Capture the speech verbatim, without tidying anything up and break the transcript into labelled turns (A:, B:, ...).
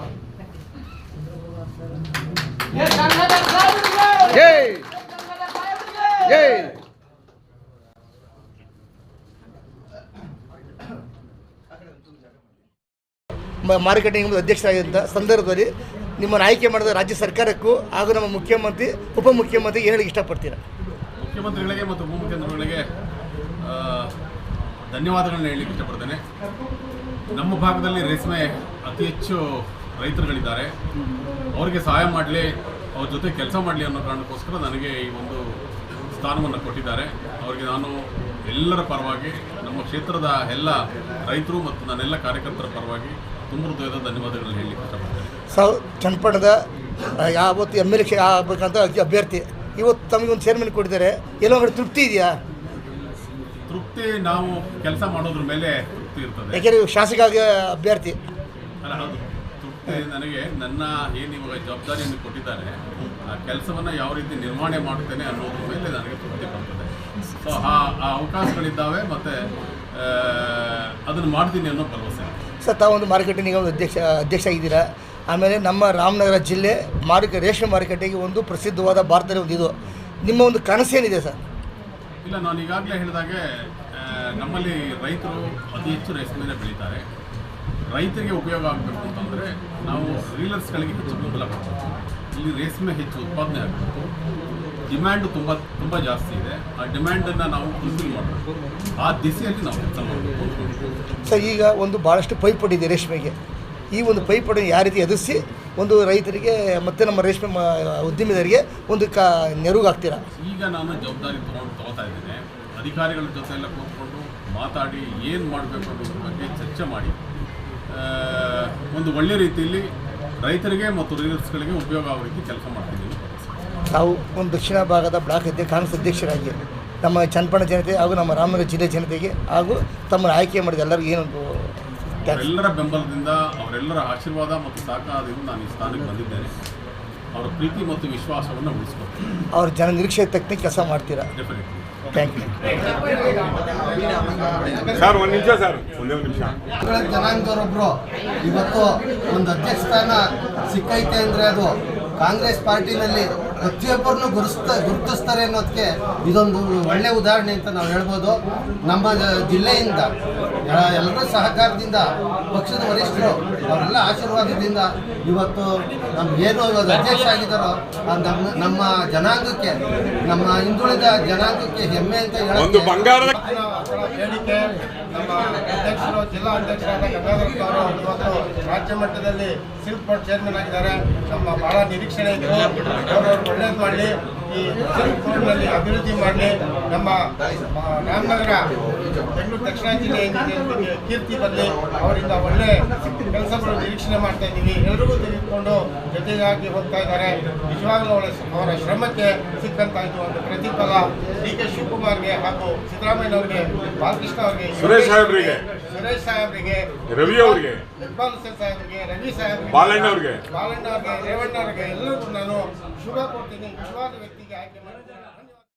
A: ಮಾರುಕಟ್ಟೆ ಅಧ್ಯಕ್ಷರಾಗಿದ್ದ ಸಂದರ್ಭದಲ್ಲಿ ನಿಮ್ಮನ್ನು ಆಯ್ಕೆ ಮಾಡಿದ ರಾಜ್ಯ ಸರ್ಕಾರಕ್ಕೂ ಹಾಗೂ ನಮ್ಮ ಮುಖ್ಯಮಂತ್ರಿ ಉಪಮುಖ್ಯಮಂತ್ರಿ ಏನು ಹೇಳಲಿಕ್ಕೆ ಇಷ್ಟಪಡ್ತೀರಾ?
B: ಮುಖ್ಯಮಂತ್ರಿಗಳಿಗೆ ಮತ್ತು ಉಪಮುಖ್ಯಮಂತ್ರಿಗಳಿಗೆ ಧನ್ಯವಾದಗಳನ್ನ ಹೇಳಲಿಕ್ಕೆ ಇಷ್ಟಪಡ್ತೇನೆ. ನಮ್ಮ ಭಾಗದಲ್ಲಿ ರೇಷ್ಮೆ ಅತಿ ಹೆಚ್ಚು ರೈತರುಗಳಿದ್ದಾರೆ. ಅವರಿಗೆ ಸಹಾಯ ಮಾಡಲಿ, ಅವ್ರ ಜೊತೆ ಕೆಲಸ ಮಾಡಲಿ ಅನ್ನೋ ಕಾರಣಕ್ಕೋಸ್ಕರ ನನಗೆ ಈ ಒಂದು ಸ್ಥಾನವನ್ನು ಕೊಟ್ಟಿದ್ದಾರೆ. ಅವರಿಗೆ ನಾನು ಎಲ್ಲರ ಪರವಾಗಿ, ನಮ್ಮ ಕ್ಷೇತ್ರದ ಎಲ್ಲ ರೈತರು ಮತ್ತು ನನ್ನೆಲ್ಲ ಕಾರ್ಯಕರ್ತರ ಪರವಾಗಿ ತುಂಬ ಹೃದಯದ ಧನ್ಯವಾದಗಳನ್ನ ಹೇಳಲಿಕ್ಕೆ ಇಷ್ಟಪಡ್ತೇನೆ.
A: ಸಾವು ಚನ್ನಪಟ್ಟಣದ ಯಾವತ್ತು ಎಮ್ ಎಲ್ ಎ ಆಗಬೇಕಂತ ಅಭ್ಯರ್ಥಿ ಇವತ್ತು ತಮಗೆ ಒಂದು ಚೇರ್ಮನ್ ಕೊಟ್ಟಿದ್ದಾರೆ, ಎಲ್ಲೋ ಕಡೆ ತೃಪ್ತಿ ಇದೆಯಾ?
B: ತೃಪ್ತಿ ನಾವು ಕೆಲಸ ಮಾಡೋದ್ರ ಮೇಲೆ ತೃಪ್ತಿ ಇರ್ತದೆ.
A: ಯಾಕೆಂದರೆ ಶಾಸಕ ಅಭ್ಯರ್ಥಿ
B: ಅಲ್ಲ, ಹೌದು, ತೃಪ್ತಿ ನನಗೆ ನನ್ನ ಏನು ಇವಾಗ ಜವಾಬ್ದಾರಿಯನ್ನು ಕೊಟ್ಟಿದ್ದಾರೆ ಆ ಕೆಲಸವನ್ನು ಯಾವ ರೀತಿ ನಿರ್ವಹಣೆ ಮಾಡುತ್ತೇನೆ ಅನ್ನೋದ್ರ ಮೇಲೆ ನನಗೆ ತೃಪ್ತಿ ಬರ್ತದೆ. ಸೊ ಆ ಆ ಅವಕಾಶಗಳಿದ್ದಾವೆ ಮತ್ತು ಅದನ್ನು ಮಾಡ್ತೀನಿ ಅನ್ನೋ ಭರವಸೆ.
A: ಸರ್, ತಾವೊಂದು ಮಾರುಕಟ್ಟೆ ನಿಗಮದ ಅಧ್ಯಕ್ಷ ಅಧ್ಯಕ್ಷ ಆಗಿದ್ದೀರಾ. ಆಮೇಲೆ ನಮ್ಮ ರಾಮನಗರ ಜಿಲ್ಲೆ ಮಾರುಕ ರೇಷ್ಮೆ ಮಾರುಕಟ್ಟೆಗೆ ಒಂದು ಪ್ರಸಿದ್ಧವಾದ ಭಾರತದಲ್ಲಿ ಒಂದು ಇದು ನಿಮ್ಮ ಒಂದು ಕನಸೇನಿದೆ ಸರ್?
B: ಇಲ್ಲ, ನಾನು ಈಗಾಗಲೇ ಹೇಳಿದಾಗೆ ನಮ್ಮಲ್ಲಿ ರೈತರು ಅತಿ ಹೆಚ್ಚು ರೇಷ್ಮೆನೇ ಬೆಳೀತಾರೆ. ರೈತರಿಗೆ ಉಪಯೋಗ ಆಗಬೇಕು ಅಂತಂದರೆ ನಾವು ರೀಲರ್ಸ್ಗಳಿಗೆ ಹೆಚ್ಚು ಬೆಂಬಲ ಕೊಡಬೇಕು. ಇಲ್ಲಿ ರೇಷ್ಮೆ ಹೆಚ್ಚು ಉತ್ಪಾದನೆ ಆಗಬೇಕು. ಡಿಮ್ಯಾಂಡು ತುಂಬ ತುಂಬ ಜಾಸ್ತಿ ಇದೆ. ಆ ಡಿಮ್ಯಾಂಡನ್ನು ನಾವು ಫುಲ್ಫಿಲ್ ಮಾಡಬೇಕು. ಆ ದಿಸೆಯಲ್ಲಿ ನಾವು ಕೆಲಸ ಮಾಡಬೇಕು.
A: ಸರ್, ಈಗ ಒಂದು ಭಾಳಷ್ಟು ಪೈಪೋಟಿ ಇದೆ ರೇಷ್ಮೆಗೆ. ಈ ಒಂದು ಪೈಪೋಟಿಯನ್ನು ಯಾವ ರೀತಿ ಎದುರಿಸಿ ಒಂದು ರೈತರಿಗೆ ಮತ್ತು ನಮ್ಮ ರೇಷ್ಮೆ ಉದ್ಯಮಿದರಿಗೆ ಒಂದು ಕ ನೆರವಾಗ್ತೀರಾ?
B: ಈಗ ನಾನು ಜವಾಬ್ದಾರಿ ತೊಗೊಂಡು ತೊಗೋತಾ ಇದ್ದೇನೆ. ಅಧಿಕಾರಿಗಳ ಜೊತೆ ಎಲ್ಲ ಕೂತ್ಕೊಂಡು ಮಾತಾಡಿ ಏನು ಮಾಡಬೇಕು ಅನ್ನೋದ್ರ ಬಗ್ಗೆ ಚರ್ಚೆ ಮಾಡಿ ಒಂದು ಒಳ್ಳೆ ರೀತಿಯಲ್ಲಿ ರೈತರಿಗೆ ಮತ್ತು ರೀಲರ್ಸ್ಗಳಿಗೆ ಉಪಯೋಗ ಆಗೋ ರೀತಿ ಕೆಲಸ ಮಾಡ್ತಿದ್ದೀನಿ.
A: ನಾವು ಒಂದು ದಕ್ಷಿಣ ಭಾಗದ ಬ್ಲಾಕ್ ಅಧ್ಯಕ್ಷ ಕಾಂಗ್ರೆಸ್ ಅಧ್ಯಕ್ಷರಾಗಿ ನಮ್ಮ ಚನ್ನಪಟ್ಟಣ ಜನತೆ ಹಾಗೂ ನಮ್ಮ ರಾಮನಗರ ಜಿಲ್ಲೆ ಜನತೆಗೆ ಹಾಗೂ ತಮ್ಮನ್ನು ಆಯ್ಕೆ ಮಾಡಿದ ಎಲ್ಲರಿಗೂ ಏನೊಂದು
B: ಅವರೆಲ್ಲರ ಬೆಂಬಲದಿಂದ, ಅವರೆಲ್ಲರ ಆಶೀರ್ವಾದ ಮತ್ತು ಸಹಕಾರದಿಂದ ನಾನು ಈ ಸ್ಥಾನಕ್ಕೆ ಬಂದಿದ್ದೇನೆ. ಅವರ ಪ್ರೀತಿ ಮತ್ತು ವಿಶ್ವಾಸವನ್ನು ಉಳಿಸ್ಕೊಳ್ತೀನಿ.
A: ಅವ್ರ ಜನ ನಿರೀಕ್ಷೆ ತಕ್ಕಂತೆ ಕೆಲಸ ಮಾಡ್ತೀರಾ?
B: ಡೆಫಿನೆಟ್ಲಿ.
A: Thank you
C: sir. ಒಂದು ನಿಮಿಷ ಸರ್, ಒಂದೇ ಒಂದು ನಿಮಿಷ.
D: ಜನಾಂಗದವರೊಬ್ಬರು ಇವತ್ತು ಒಂದು ಅಧ್ಯಕ್ಷ ಸ್ಥಾನ ಸಿಕ್ಕೈತೆ ಅಂದರೆ ಅದು ಕಾಂಗ್ರೆಸ್ ಪಾರ್ಟಿನಲ್ಲಿ ಪ್ರತಿಯೊಬ್ಬರನ್ನು ಗುರುಸ್ತಾ ಗುರುತಿಸ್ತಾರೆ ಅನ್ನೋದಕ್ಕೆ ಇದೊಂದು ಒಳ್ಳೆಯ ಉದಾಹರಣೆ ಅಂತ ನಾವು ಹೇಳ್ಬೋದು. ನಮ್ಮ ಜಿಲ್ಲೆಯಿಂದ ಎಲ್ಲರ ಸಹಕಾರದಿಂದ, ಪಕ್ಷದ ವರಿಷ್ಠರು ಅವರೆಲ್ಲ ಆಶೀರ್ವಾದದಿಂದ ಇವತ್ತು ನಮಗೇನು ಇವಾಗ ಅಧ್ಯಕ್ಷ ಆಗಿದ್ದಾರೋ ನಮ್ಮ ನಮ್ಮ ಜನಾಂಗಕ್ಕೆ, ನಮ್ಮ ಹಿಂದುಳಿದ ಜನಾಂಗಕ್ಕೆ ಹೆಮ್ಮೆ ಅಂತ
C: ಹೇಳೋದು ಬಂಗಾರದ
D: ಹೇಳಿಕೆ. ನಮ್ಮ ಅಧ್ಯಕ್ಷರು, ಜಿಲ್ಲಾ ಅಧ್ಯಕ್ಷರಾದ ಗಂಗಾಧರ್ ಅವರು ಇವತ್ತು ರಾಜ್ಯ ಮಟ್ಟದಲ್ಲಿ ಸಿಲ್ಕ್ ಬೋರ್ಡ್ ಚೇರ್ಮನ್ ಆಗಿದ್ದಾರೆ. ನಮ್ಮ ಬಹಳ ನಿರೀಕ್ಷಣೆ ಇತ್ತು, ಅವರು ಒಳ್ಳೇದು ಮಾಡಲಿ, ಈ ಸಿಲ್ಕ್ ಬೋರ್ಡ್ನಲ್ಲಿ ಅಭಿವೃದ್ಧಿ ಮಾಡಲಿ, ನಮ್ಮ ರಾಮನಗರ ಬೆಂಗಳೂರು ದಕ್ಷಿಣ ಜಿಲ್ಲೆ ಕೀರ್ತಿ ಬರಲಿ, ಅವರಿಂದ ಒಳ್ಳೆ ಕೆಲಸಗಳು ನಿರೀಕ್ಷಣೆ ಮಾಡ್ತಾ ಇದ್ದೀವಿ. ಎಲ್ಲರಿಗೂ ತೆಗೆದುಕೊಂಡು ಜೊತೆಗಾಗಿ ಹೋಗ್ತಾ ಇದ್ದಾರೆ. ನಿಜವಾಗ್ಲೂ ಅವರ ಅವರ ಶ್ರಮಕ್ಕೆ ಸಿಕ್ಕಂತಾಯಿತು ಒಂದು ಪ್ರತಿಫಲ ಡಿ ಕೆ ಶಿವಕುಮಾರ್ಗೆ ಹಾಗೂ ಸಿದ್ದರಾಮಯ್ಯನವರಿಗೆ, ಬಾಲಕೃಷ್ಣ ಅವರಿಗೆ,
C: ಸುರೇಶ್ ಸಾಹೇಬ್ರಿಗೆ,
D: ಸುರೇಶ್ ಸಾಹೇಬ್ರಿಗೆ,
C: ರವಿ ಅವರಿಗೆ,
D: ಇಕ್ಬಾಲ್ ಹುಸೇನ್ ಸಾಹೇಬ್ರಿಗೆ, ರವಿ ಸಾಹೇಬ್ರಿಗೆ,
C: ಬಾಲಣ್ಣ ಅವರಿಗೆ,
D: ಬಾಲಣ್ಣ ಅವರಿಗೆ, ರೇವಣ್ಣ ಅವರಿಗೆ ಎಲ್ಲರಿಗೂ ನಾನು ಶುಭ ಕೊಡ್ತೀನಿ. ನಿಜವಾದ ವ್ಯಕ್ತಿಗೆ ಆಯ್ಕೆ ಮಾಡಿದ್ದೀನಿ.